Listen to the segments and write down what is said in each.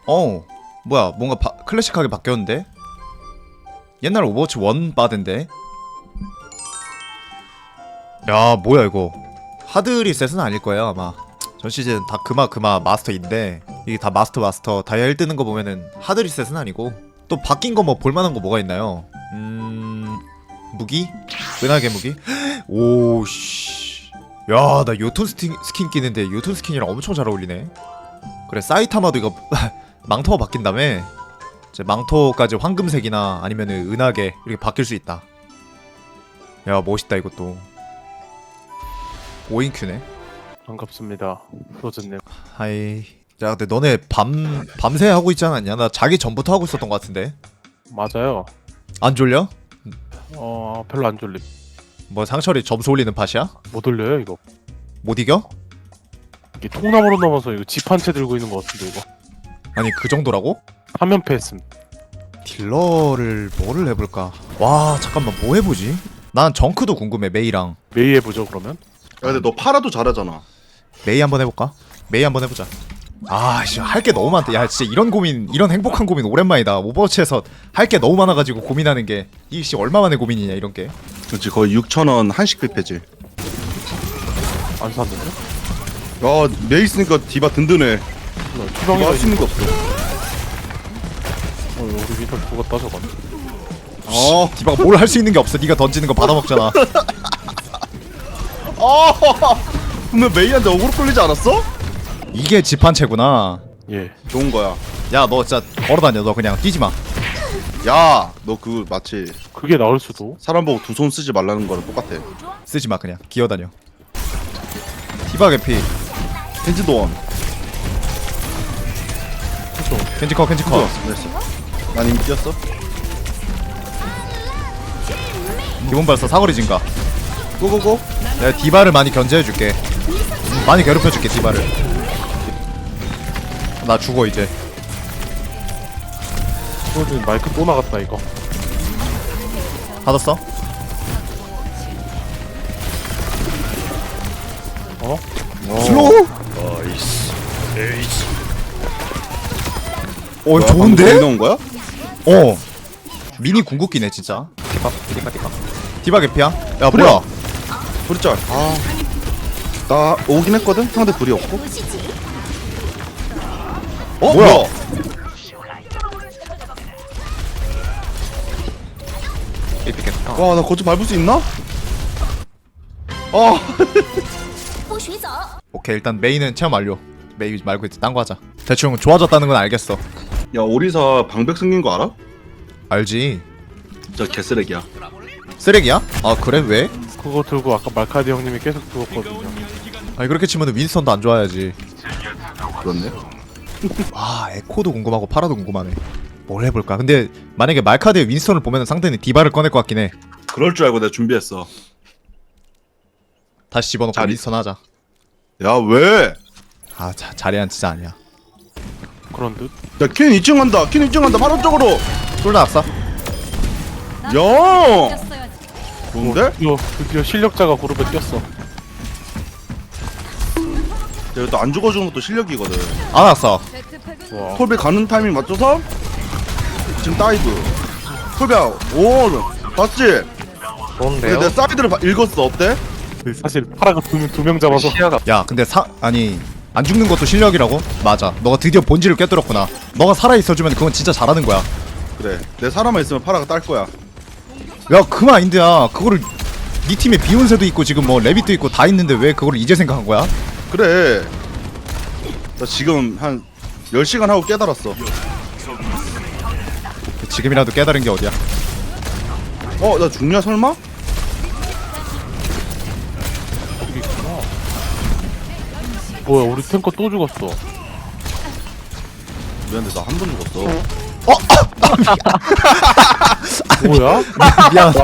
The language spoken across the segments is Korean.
뭐야 뭔가 클래식하게 바뀌었는데? 옛날 오버워치 1 바드인데? 야 뭐야 이거 하드 리셋은 아닐거예요 아마. 전 시즌 다 그마 마스터인데 이게 다 마스터 다이아 1 뜨는 거 보면은 하드 리셋은 아니고. 또 바뀐 거 뭐 볼만한 거 뭐가 있나요? 무기? 은하계 무기? 오씨 야 나 요톤 스킨 끼는데 요톤 스킨이랑 엄청 잘 어울리네. 그래 사이타마도 이거 망토가 바뀐다며? 이제 망토까지 황금색이나 아니면은 은하계 이렇게 바뀔 수 있다. 야 멋있다 이것도. 5인큐네. 반갑습니다, 프로즈님. 하이. 야 근데 너네 밤새 하고 있지 않았냐? 나 자기 전부터 하고 있었던 것 같은데. 맞아요. 안 졸려? 별로 안 졸림. 뭐 상철이 점수 올리는 팟이야? 못 올려요 이거. 못 이겨? 이게 통나무로 넘어서 이거 집 한 채 들고 있는 것 같은데 이거. 아니 그 정도라고? 화면패 했음. 딜러를 뭐를 해볼까? 와 잠깐만 뭐 해보지? 난 정크도 궁금해. 메이랑 메이 해보죠 그러면. 야 근데 너 파라도 잘하잖아. 메이 한번 해볼까? 메이 한번 해보자. 아씨 할 게 너무 많다. 야 진짜 이런 고민, 이런 행복한 고민 오랜만이다. 오버워치에서 할 게 너무 많아가지고 고민하는 게 이씨 얼마만의 고민이냐 이런 게. 그렇지 거의 6,000원 한식 뷔페지. 안 샀는데? 야 메이 있으니까 디바 든든해. 디바 추방이 할 수 있는 게 없어. 우리 위선 죽었다 저건. 디바가 뭘 할 수 있는 게 없어. 네가 던지는 거 받아먹잖아. 근데 메이한테 어그로 끌리지 않았어? 이게 집한채구나. 예. 좋은 거야. 야 너 진짜 걸어다녀. 너 그냥 뛰지마. 야 너 그 마치 그게 나을 수도. 사람 보고 두 손 쓰지 말라는 거랑 똑같아. 쓰지마 그냥 기어다녀. 디바 개피. 켄지도원. 켄지커 켄지커. 됐어. 난 이미 뛰었어. 기본 발사 사거리 증가. 고고고. 내가 디바를 많이 견제해줄게. 많이 괴롭혀줄게 디바를. 나 죽어 이제. 프로즈님 마이크 또 나갔다 이거. 받았어? 슬로우? 뭐야, 좋은데? 방금 넣은 거야? 미니 궁극기네 진짜. 디바 개피야? 야 불이야. 뭐야? 불짤. 나 오긴 했거든. 상대 불이 없고. 뭐야? 와 나 거치 밟을 수 있나? 오케이 일단 메이는 체험 완료. 메이 말고 이제 딴 거 하자. 대충 좋아졌다는 건 알겠어. 야 오리사 방백 생긴 거 알아? 알지. 진짜 개쓰레기야. 쓰레기야? 아 그래 왜? 그거 들고 아까 말카디 형님이 계속 죽었거든요. 아니 그렇게 치면은 윈스턴도 안 좋아야지. 그렇네. 와 에코도 궁금하고 파라도 궁금하네. 뭘 해볼까? 근데 만약에 말카드의 윈스턴을 보면 상대는 디바를 꺼낼 것 같긴 해. 그럴 줄 알고 내가 준비했어. 다시 집어넣고 자리. 윈스턴 하자. 야 왜? 아 자리한 진짜 아니야. 그런 듯. 야퀸 2층 간다. 퀸 2층 간다. 바로 쪽으로. 쫄다 낙사. 야. 좋은데? 드디어 실력자가 그룹에 뛰었어. 내가 또 안 죽어주는 것도 실력이거든. 안 낙사. 와. 톨베 가는 타이밍 맞춰서 지금 다이브. 톨베 오 봤지? 좋은데요? 내 사이드를 읽었어. 어때? 사실 파라가 두 명 잡아서. 시야가 야 근데 아니 안 죽는 것도 실력이라고? 맞아. 너가 드디어 본질을 꿰뚫었구나. 너가 살아있어주면 그건 진짜 잘하는 거야. 그래 내 사람만 있으면 파라가 딸 거야. 야 그 마인드야. 그거를 네 팀에 비욘세도 있고 지금 뭐 레빗도 있고 다 있는데 왜 그걸 이제 생각한 거야? 그래 나 지금 한 10시간 하고 깨달았어. 지금이라도 깨달은 게 어디야? 나 죽냐 설마? 뭐야 우리 탱커 또 죽었어. 미안한데 나 한 번 죽었어. 뭐야? 미안.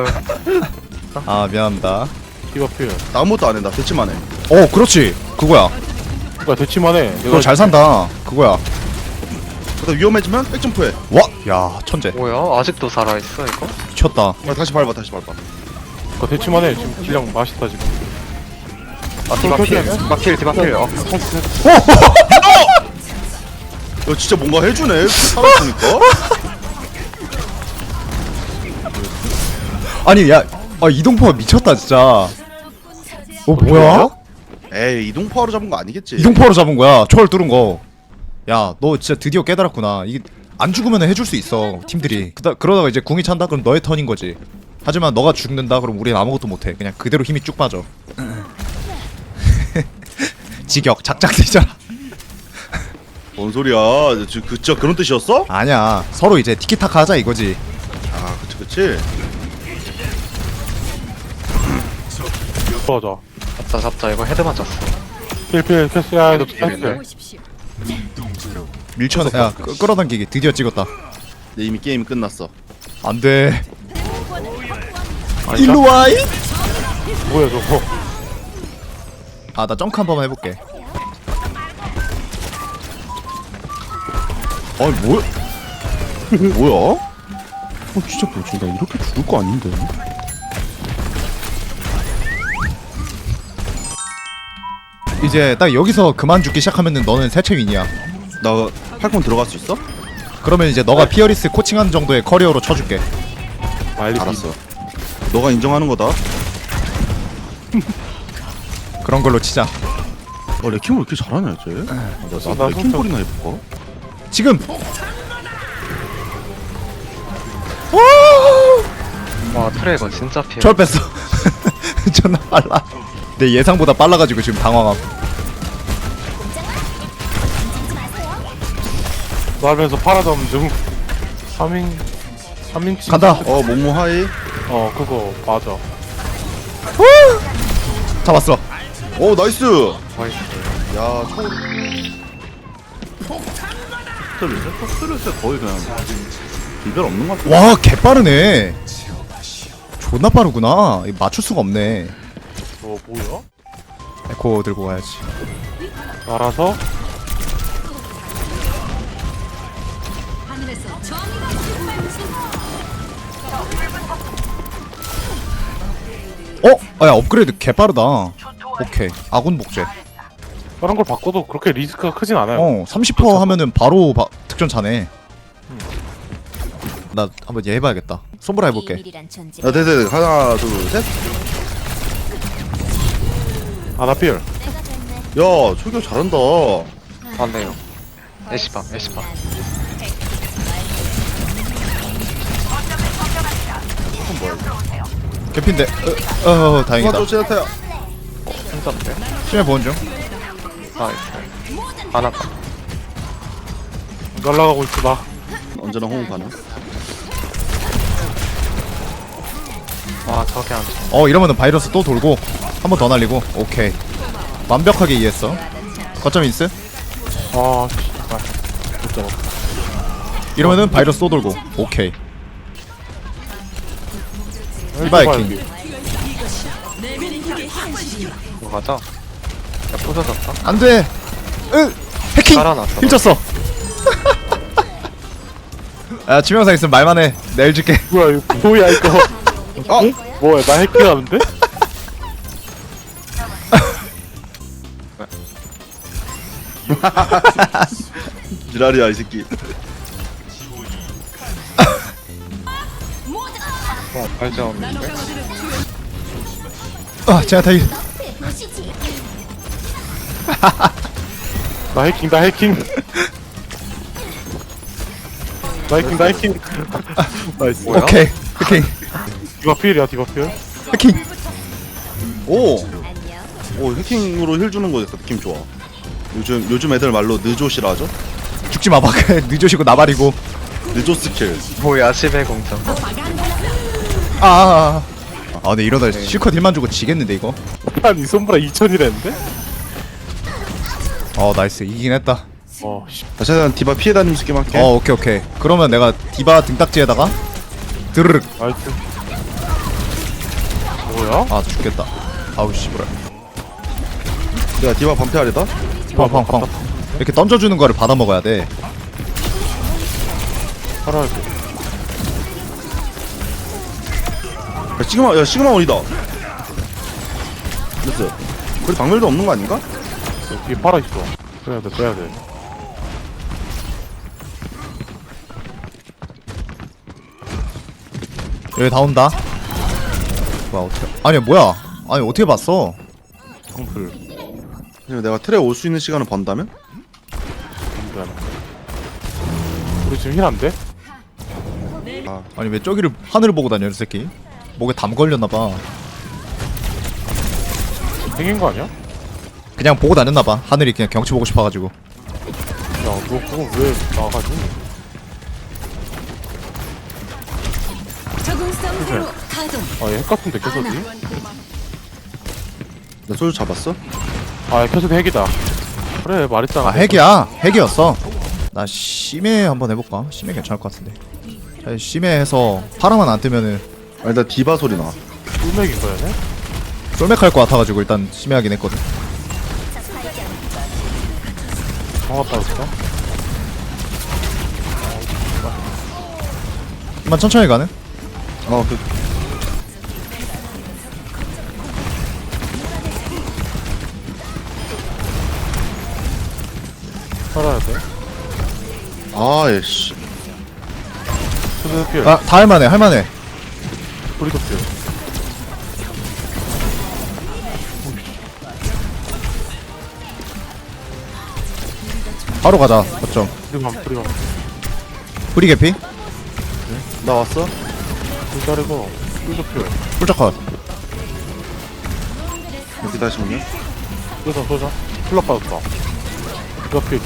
아 미안합니다. 디바 필. 나 아무것도 안해. 나 대치만 해. 그렇지. 그거야. 그니까 대치만 해. 그거 잘 산다. 그거야. 그러다 위험해지면 백점프해. 와, 야 천재. 뭐야? 아직도 살아있어 이거? 미쳤다. 다시 밟아 다시 밟아. 그니까 대치만 해. 지금 딜량 맛있다 지금. 아 디바필 디바필 디바필 야 진짜 뭔가 해주네 살았으니까. 아니 야 이동포가 미쳤다 진짜. 뭐야? 에이 이동파로 잡은 거 아니겠지. 이동포로 잡은 거야. 초월 뚫은 거. 야 너 진짜 드디어 깨달았구나. 이게 안 죽으면 해줄 수 있어 팀들이. 그러다가 이제 궁이 찬다 그럼 너의 턴인 거지. 하지만 너가 죽는다 그럼 우린 아무것도 못해. 그냥 그대로 힘이 쭉 빠져. 직역 작작되잖아. 뭔 소리야? 진짜 그런 뜻이었어? 아니야 서로 이제 티키타카 하자 이거지. 아 그치. 들어가자. 잡자 이거 헤드 맞았어. 필필 캐스야 해도 캐스. 필인데. 밀쳐내. 야 끌어당기기 드디어 찍었다. 내 이미 게임이 끝났어. 안돼. 아니다? 일로 와이. 뭐야 저거? 아 나 점크 한 번만 해볼게. 아니 뭐야? 뭐야? 진짜 뭐지? 나 이렇게 죽을 거 아닌데. 이제 딱 여기서 그만 죽기 시작하면은 너는 세체윈이야. 나 팔콘 들어갈 수 있어? 그러면 이제 너가 피어리스 코칭한 정도의 커리어로 쳐줄게. 말리 알았어. 너가 인정하는 거다. 그런 걸로 치자. 레킹 왜 이렇게 잘하냐 쟤? 나도 레킹 볼이나 해볼까? 지금. 와 트레이거 진짜 피해. 절 뺐어. 존나 빨라. 내 예상보다 빨라가지고 지금 당황함. 날면서 파라덤 중 3인칭 간다. 모모 하이. 그거 맞아. 잡았어. 오 나이스. 나이스. 야 스트레스 거의 그냥 비별 없는 것 같아. 와 개빠르네. 존나 빠르구나. 이거 맞출 수가 없네. 뭐야? 에코 들고 가야지. 알아서 야 업그레이드 개빠르다. 오케이 아군 복제. 다른 걸 바꿔도 그렇게 리스크가 크진 않아요. 30% 하면은 바로 득점 차네. 나 한번 얘 해봐야겠다. 손보라 해볼게. 야 네네 하나 둘 셋. 아나필. 야 초교 잘한다. 안 돼요. 애쉬방. 개핀데. 다행이다. 도와줘 제나타야. 힘든데. 심해 보는 중. 나이스. 안 아까. 날라가고 있어 나. 언제나 호응 가능. 와 저게 안 돼. 이러면은 바이러스 또 돌고 한 번 더 날리고. 오케이 완벽하게 이해했어. 거점 인스. 아 씨발. 못 잡았어. 이러면은 바이러스 또 돌고. 오케이 이바이킹. 이거 가자. 야 부서졌다. 안돼. 해킹. 살아났어. 힐쳤어. 야 치명상 있으면 말만 해. 내일 줄게. 뭐야 이거 뭐야 이거? 뭐야 나 해킹하는데? 지랄이야 이 새끼. 발전인데. 제가 다 나 해킹 나 해킹. 나 해킹. 나이스. 뭐야? 오케이 해킹. 디바필이야 디바필. 해킹. 오 해킹으로 힐 주는 거 느낌 좋아. 요즘 애들 말로 느조시라 하죠? 죽지 마봐. 늦으시고 나발이고. 느조 스킬. 뭐야 10의 공정. 근데 이러다 실컷 힐만 주고 지겠는데 이거. 아니 손보라 2000이랬는데? 나이스 이기긴 했다. 씨. 다시 한 디바 피해 다니면서 게임 할게. 오케이 그러면 내가 디바 등딱지에다가 드르륵. 나이스. 뭐야? 죽겠다. 아우 씨부라. 내가 디바 반패하려다. 펑펑펑. 이렇게 던져주는 거를 받아 먹어야 돼. 살아야 돼. 시그마 원이다. 됐어. 거기 방멸도 없는 거 아닌가? 뒤에 팔아 있어. 빼야 돼. 여기 다 온다. 뭐야 어떻게? 아니 뭐야? 아니 어떻게 봤어? 펑플. 그냥 내가 틀에 올 수 있는 시간을 번다면? 미안. 우리 지금 힐 안 돼? 아니 왜 저기를 하늘을 보고 다녀 이 새끼? 목에 담 걸렸나봐. 생긴 거 아니야? 그냥 보고 다녔나봐. 하늘이 그냥 경치 보고 싶어가지고. 야, 너 그거 왜 나가지? 적응성 회로 가동. 아, 얘 핵 같은데 캐서디? 나 소주 잡았어? 아, 캐서디 핵이다. 그래, 말했잖아. 아 핵이야. 핵이었어. 나 심해 한번 해볼까? 심해 괜찮을 것 같은데. 자, 심해 해서 파라만 안 뜨면은 아니 나 디바 소리 나. 꿀맥인 거야, 네? 쫄맥 할 것 같아가지고 일단 심해 하긴 했거든. 정확하다, 진짜? 한번 천천히 가는? 그 살아야 돼. 아예씨. 캐서디 필. 아 다 할만해 할만해. 브리도 필. 바로 가자. 거점. 브리감. 브리 개피? 나 왔어? 불 자르고, 꿀도 필. 뿔짝컷. 여기 다시 오냐? 쏘자. 플랍 받았다. 디바 필.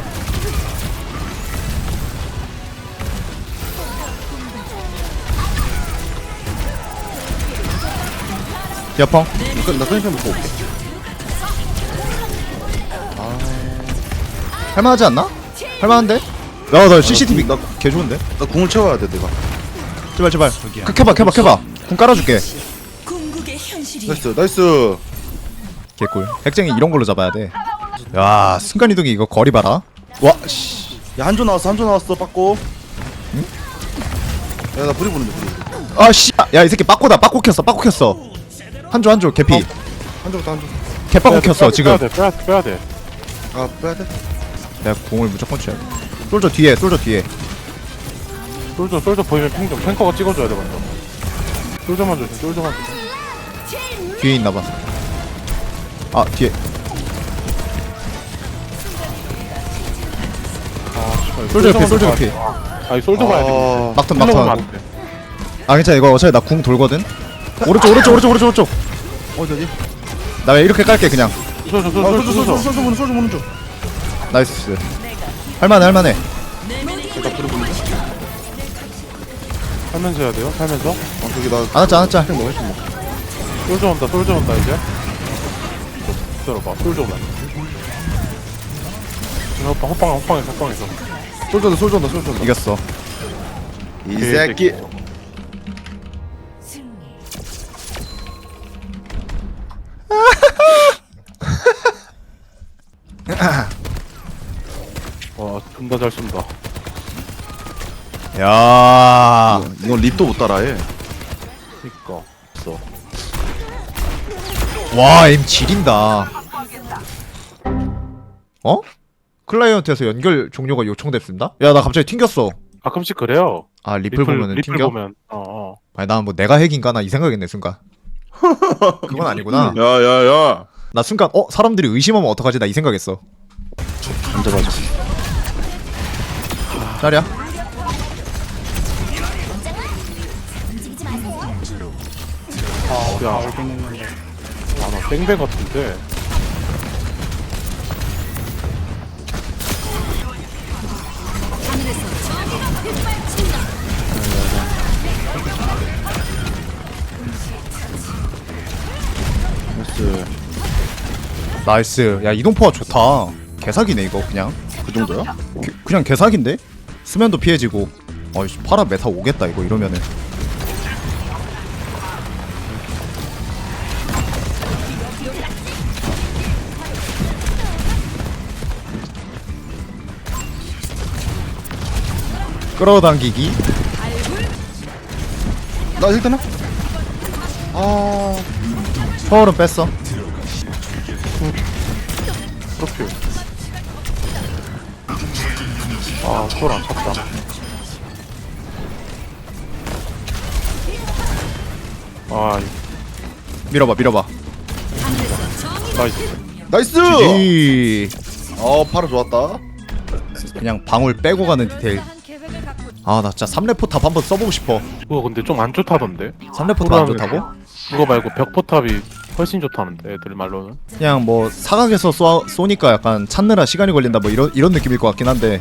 디아펑. 나 선생님 먹고 올게. 할만하지 않나? 할만한데? 야나 CCTV 개 좋은데? 나 궁을 채워야 돼 내가. 제발 켜봐 궁 깔아줄게. 궁극의 현실이 나이스. 개꿀. 핵쟁이 이런 걸로 잡아야 돼. 야 순간이동이 이거 거리 봐라. 와 씨. 야 한조 나왔어 빠꼬. 응? 야나 불이 부는데 불이. 아 씨. 야 이 새끼 빠꼬다. 빠꼬 켰어. 한조 개피. 한조부터 한조. 개빠꼬 켰어 지금. 빼야 돼. 아 빼야 돼. 내가 공을 무조건 쳐야 돼. 솔저 뒤에. 솔저 보이면 탱커가 찍어줘야 돼, 먼저. 솔저만 조심. 뒤에 있나봐. 아 뒤에. 솔저 개피. 아니, 솔저 봐야 돼. 막턴. 안 돼. 아 괜찮아 이거 어차피 나 궁 돌거든. 오른쪽. 어디? 나 왜 이렇게 깔게 그냥. 솔저. 소주 보는 중. 나이스. 할만해. 나 불이 부는데. 살면서 해야 돼요, 살면서. 저기 나 안 왔자. 뭐 했어 뭐. 솔저 온다, 이제. 기다려봐, 솔저 온다. 호빵에서. 소주 온다. 이겼어. 이 새끼. 와, 존나 잘 쏜다. 야. 이건 립도 못 따라해. 그니까. 와, 임 지린다. 어? 클라이언트에서 연결 종료가 요청됐습니다? 야, 나 갑자기 튕겼어. 가끔씩 그래요. 아, 리플 보면은 리플 튕겨? 보면. 아니, 난 뭐 내가 핵인가? 나 이 생각했네, 순간. 그건 아니구나. 야야야. 나 순간, 사람들이 의심하면 어떡하지? 나 이 생각했어. 앉아봐줘. 짜리야? 야, 나 땡배 같은데. 나이스. 나이스. 야, 이동포가 좋다. 개사기네, 이거, 그냥. 그 정도야? 그냥 개사기인데? 수면도 피해지고. 어이씨, 파라 메타 오겠다, 이거, 이러면은. 끌어당기기. 나 일단은. 아. 서울은 뺐어. 프로필. 아, 초월 안 찼다. 아 밀어봐 밀어봐. 나이스. 나이스. GG. 파라 좋았다. 그냥 방울 빼고 가는 디테일. 아 나 진짜 3렙 포탑 한번 써보고 싶어. 그거 근데 좀 안 좋다던데. 3렙 포탑 안 좋다고? 그거 말고 벽 포탑이 훨씬 좋다는데 애들 말로는. 그냥 뭐 사각에서 쏘니까 약간 찾느라 시간이 걸린다 뭐 이런 느낌일 것 같긴 한데.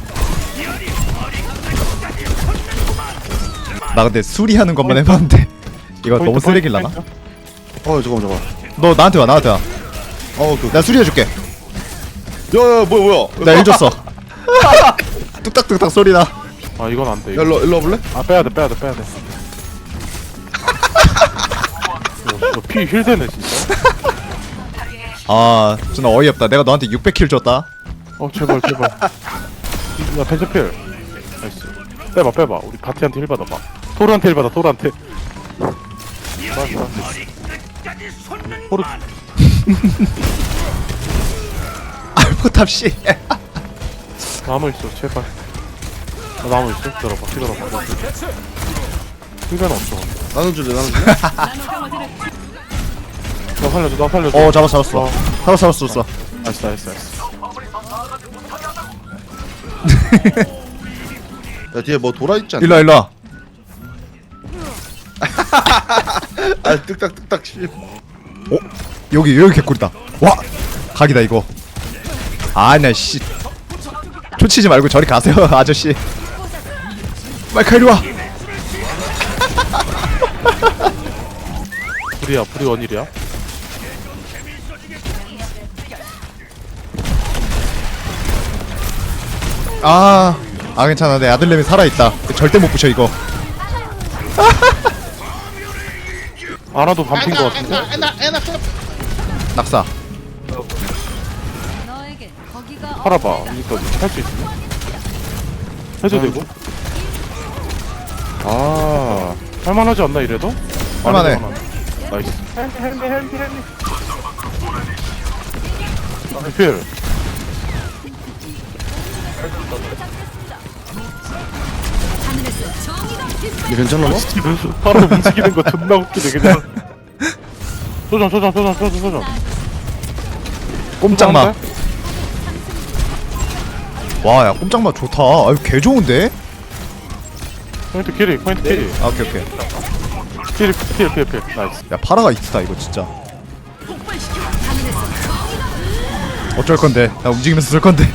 나 근데 수리하는 것만 해봤는데 이거 너무 쓰레기라나? 잠깐만. 너 나한테 와 나한테 와. 오케이. 나 수리해줄게. 야야 뭐야. 나 일 줬어. 뚝딱뚝딱 소리 나. 아 이건 안 돼. 야 일로 와볼래? 아 빼야 돼. 피 힐되네 진짜. 아 진짜 어이없다. 내가 너한테 600킬 줬다. 제발. 야 펜스필. 나이스. 빼봐. 우리 바티한테 힐 받아봐. 토르한테 힐 받아. 토르. 포탑 씨. 나무 있어 제발. 나무 있어? 기다려봐. 힐변 없어. 나눠줄래? 나 살려줘. 어 잡았어. 잡았어. 나이스. 야 뒤에 뭐 돌아 있지 않나? 일로 와. 아 뚝딱뚝딱 씨. 여기 개꿀이다. 와 각이다 이거. 아나 씨. 초치지 말고 저리 가세요 아저씨. 마이크 이리 와. 불이 원일이야? 아 괜찮아. 내 아들내미 살아있다. 절대 못 부셔 이거. 아나도 반핀 거 같은데? 낙사. 팔아봐. 이거 할 수 있으면? 해도 되고? 할만하지 않나 이래도? 할만해. 나이스. 필. 이게 괜찮나 너? 바로 움직이는 거 존나 웃기네 그냥. 소전. 꼼짝마. 와, 야, 꼼짝마 좋다. 아유, 개 좋은데? 포인트 캐리. 아, 오케이. 필. 나이스. 야, 파라가 있다, 이거 진짜. 어쩔 건데? 나 움직이면서 쓸 건데.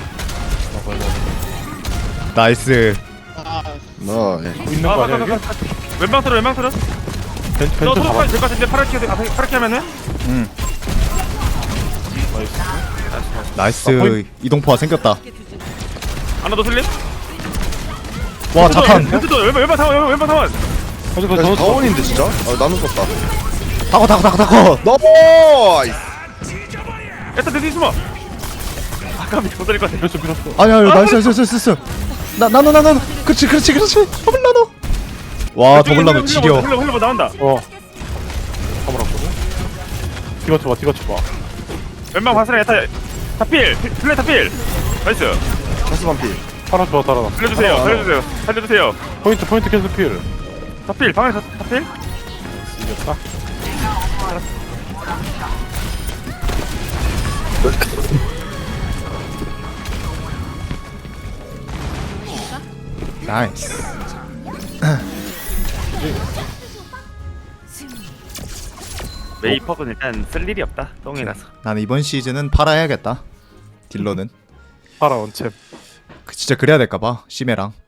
나이스. 있는 거 아니야 이게? 왼방 틀어 벤트 너 잡아. 토로까지 될것 같은데 파랗게 하면은 나이스. 이동포가 생겼다. 하나 더 슬립 와, 자탄. 벤트도 왼방 사원 아직 야, 더 다원인데 진짜? 나눠 썼다. 타고. 너무. 에타 대신 숨어 아까비 못 살릴 것 같아 밀었어. 아니야, 나이스. 나노. 그렇지. 더블 나노. 와, 더블 나노 지려. 흘러 나온다 가물었거든. 디바 쳐봐. 왼방 바스라 에타 타필 플레이 타필 나이스 가스 반피. 하나 좋아 달아나. 살려주세요 포인트 계속 필. 타필 방에서 타필 이겼다. 나이스. 메이퍼는 일단 쓸 일이 없다 똥이 나서 나는 이번 시즌은 파라 해야겠다. 딜러는. 파라 원챔. 진짜 그래야 될까봐. 심해랑.